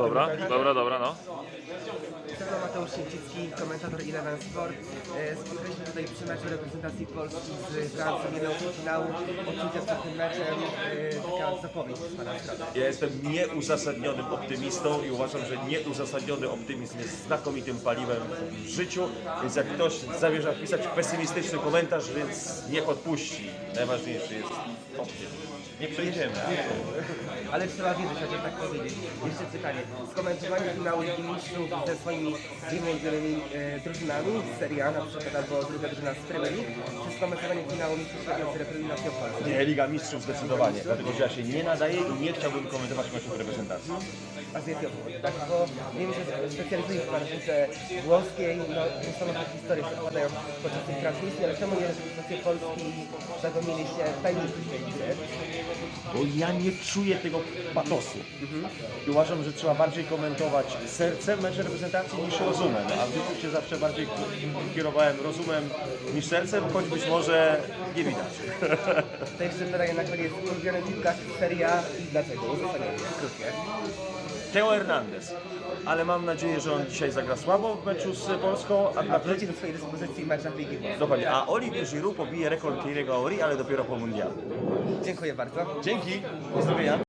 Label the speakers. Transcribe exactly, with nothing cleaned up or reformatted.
Speaker 1: Dobra, dobra, dobra, no.
Speaker 2: Stefan Mateusz Sięcicki, komentator Eleven Sport. E, Spotkaliśmy tutaj przy meczu reprezentacji Polski z Francją, jedną finału. Odczucia przed tym meczem, e, taka zapowiedź z Pana strony.
Speaker 3: Ja jestem nieuzasadnionym optymistą i uważam, że nieuzasadniony optymizm jest znakomitym paliwem w życiu, więc jak ktoś zamierza pisać pesymistyczny komentarz, więc niech odpuści. Najważniejszy jest optymizm. Nie przejdziemy.
Speaker 2: Ale trzeba wierzyć, chociaż tak powiedzieć. Jeszcze pytanie. Skomentowanie finału Ligi Mistrzów ze swoimi dwiema ulubionymi e, drużynami z Serie A, na przykład, albo druga drużyna z Premier League, czy skomentowanie finału Mistrzów z reprezentacją Polski?
Speaker 3: Nie, Liga Mistrzów zdecydowanie, dlatego że ja się nie nadaję i nie chciałbym komentować meczów reprezentacji.
Speaker 2: A z jakiego powodu? Tak, bo wiem, że specjalizuje się Pan w piłce włoskiej, no niesamowite historie się opadają podczas tych transmisji, ale czemu nie reprezentacje Polski zagomili się w tajemnicy tej gry?
Speaker 3: Bo ja nie czuję tego patosu. I uważam, że trzeba bardziej komentować sercem mecz reprezentacji niż rozumem. A w życiu się zawsze bardziej kierowałem rozumem niż sercem, choć być może nie widać.
Speaker 2: To jeszcze pytanie na koniec. Ulubiony piłkarz Serie A i dlaczego? Uzasadnienie, krótkie.
Speaker 3: Teo Hernandez. Ale mam nadzieję, że on dzisiaj zagra słabo w meczu z Polską. A,
Speaker 2: A wróci do swojej dyspozycji w meczach Ligi Włoskiej.
Speaker 3: dokładnie. A Olivier Giroud pobije rekord Thierry'ego Henry, ale dopiero po mundialu.
Speaker 2: Dziękuję bardzo.
Speaker 3: Dzięki. Pozdrowienia.